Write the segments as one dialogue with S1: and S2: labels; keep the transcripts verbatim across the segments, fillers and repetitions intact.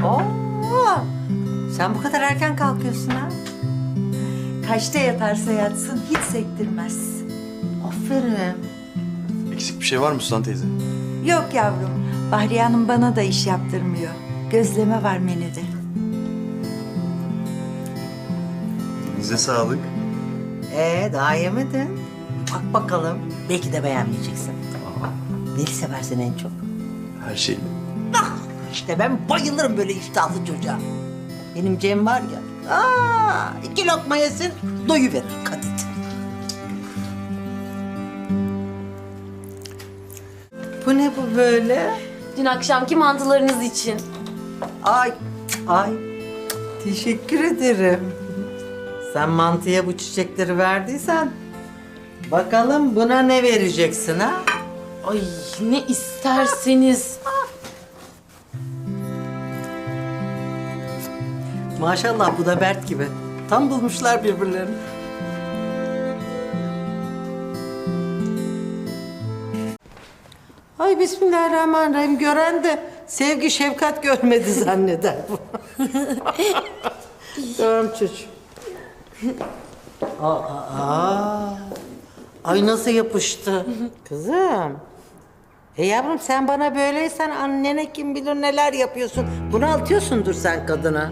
S1: Oo, sen bu kadar erken kalkıyorsun ha? Kaçta yatarsa yatsın hiç sektirmez. Aferin.
S2: Eksik bir şey var mı Suzan teyze?
S1: Yok yavrum, Bahriye Hanım bana da iş yaptırmıyor. Gözleme var menüde.
S2: Elinize sağlık.
S1: Ee, daha yemedin. Bak bakalım, belki de beğenmeyeceksin. Neyi seversin en çok?
S2: Her şeyle.
S1: İşte ben bayılırım böyle iştahlı çocuğa. Benim Cem var ya, aa, iki lokma yesin, doyuverir kadit. Bu ne bu böyle?
S3: Dün akşamki mantılarınız için.
S1: Ay, ay. Teşekkür ederim. Sen mantıya bu çiçekleri verdiysen, bakalım buna ne vereceksin ha?
S3: Ay ne isterseniz.
S1: Maşallah bu da Bert gibi. Tam bulmuşlar birbirlerini. Ay bismillahirrahmanirrahim. Gören de sevgi şefkat görmedi zanneder bu. Tamam çocuğum. Aa, aa. Ay nasıl yapıştı. Kızım. E yavrum sen bana böyleysen annene kim bilir neler yapıyorsun. Bunaltıyorsundur sen kadına.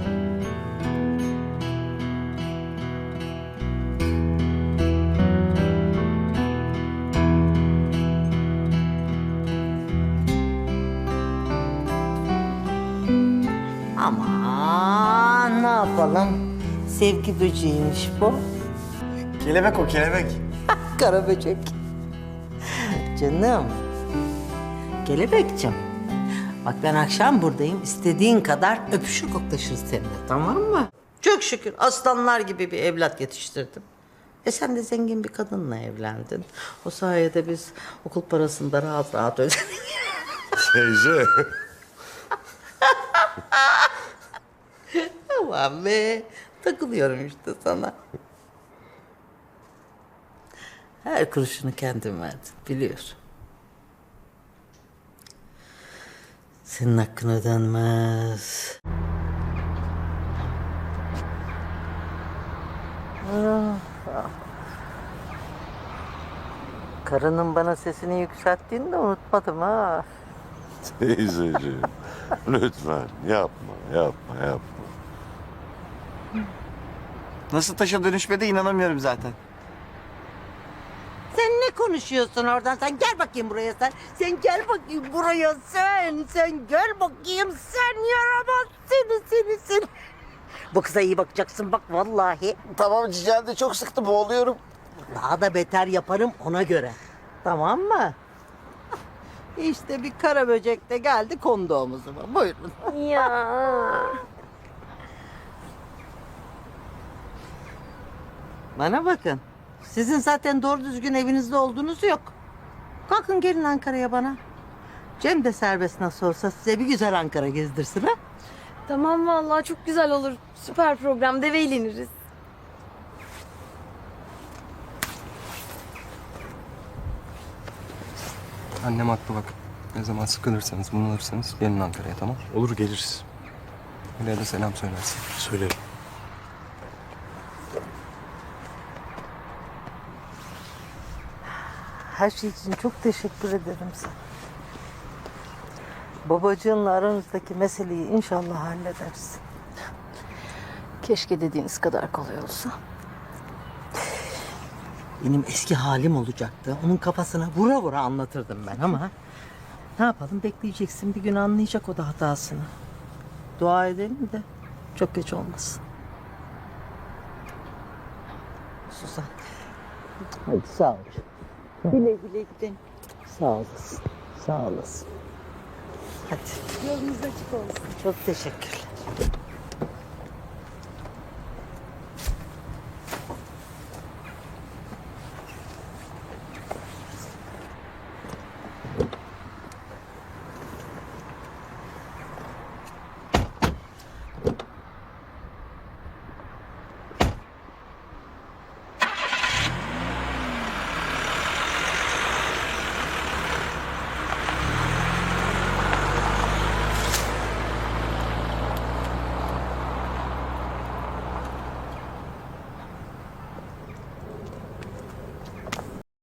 S1: Aman ne yapalım? Sevgi böceğiymiş bu.
S2: Kelebek o kelebek.
S1: Kara böcek. Canım. Kelebekciğim. Bak ben akşam buradayım. İstediğin kadar öpüşür koklaşırız seninle, tamam mı? Çok şükür aslanlar gibi bir evlat yetiştirdim. E sen de zengin bir kadınla evlendin. O sayede biz okul parasını da rahat rahat ödedik.
S2: Teyze.
S1: Aman be. Takılıyorum işte sana. Her kuruşunu kendim verdim, biliyorum. Senin hakkın ödenmez. Ah, ah. Karının bana sesini yükselttiğini de unutmadım ha.
S4: Teyzeciğim, lütfen yapma, yapma, yapma.
S2: Nasıl taşa dönüşmedi inanamıyorum zaten.
S1: Sen ne konuşuyorsun oradan? Sen gel bakayım buraya sen. Sen gel bakayım buraya sen. Sen gel bakayım sen yaramaz seni seni seni. Bu kıza iyi bakacaksın bak vallahi.
S2: Tamam Cicel'de de çok sıktı boğuluyorum.
S1: Daha da beter yaparım ona göre. Tamam mı? İşte bir kara böcek de geldi kondu omuzuma. Buyurun.
S3: Ya.
S1: Bana bakın. Sizin zaten doğru düzgün evinizde olduğunuz yok. Kalkın gelin Ankara'ya bana. Cem de serbest nasıl olsa size bir güzel Ankara gezdirsin ha.
S3: Tamam vallahi çok güzel olur. Süper program, deve eğleniriz.
S5: Annem haklı bak. Ne zaman sıkılırsanız, bunalırsanız gelin Ankara'ya, tamam?
S2: Olur geliriz.
S5: Öyle de selam söylersin.
S2: Söylerim.
S1: Her şey için çok teşekkür ederim sana. Babacığınla aranızdaki meseleyi inşallah hallederiz.
S3: Keşke dediğiniz kadar kolay olsa.
S1: Benim eski halim olacaktı. Onun kafasına vura vura anlatırdım ben ama... Ne yapalım bekleyeceksin bir gün anlayacak o da hatasını. Dua edelim de çok geç olmasın. Suzan. Hadi sağ ol. Güle güle gidin. Sağ olasın. Sağ olasın. Hadi.
S3: Yolunuz açık olsun.
S1: Çok teşekkürler.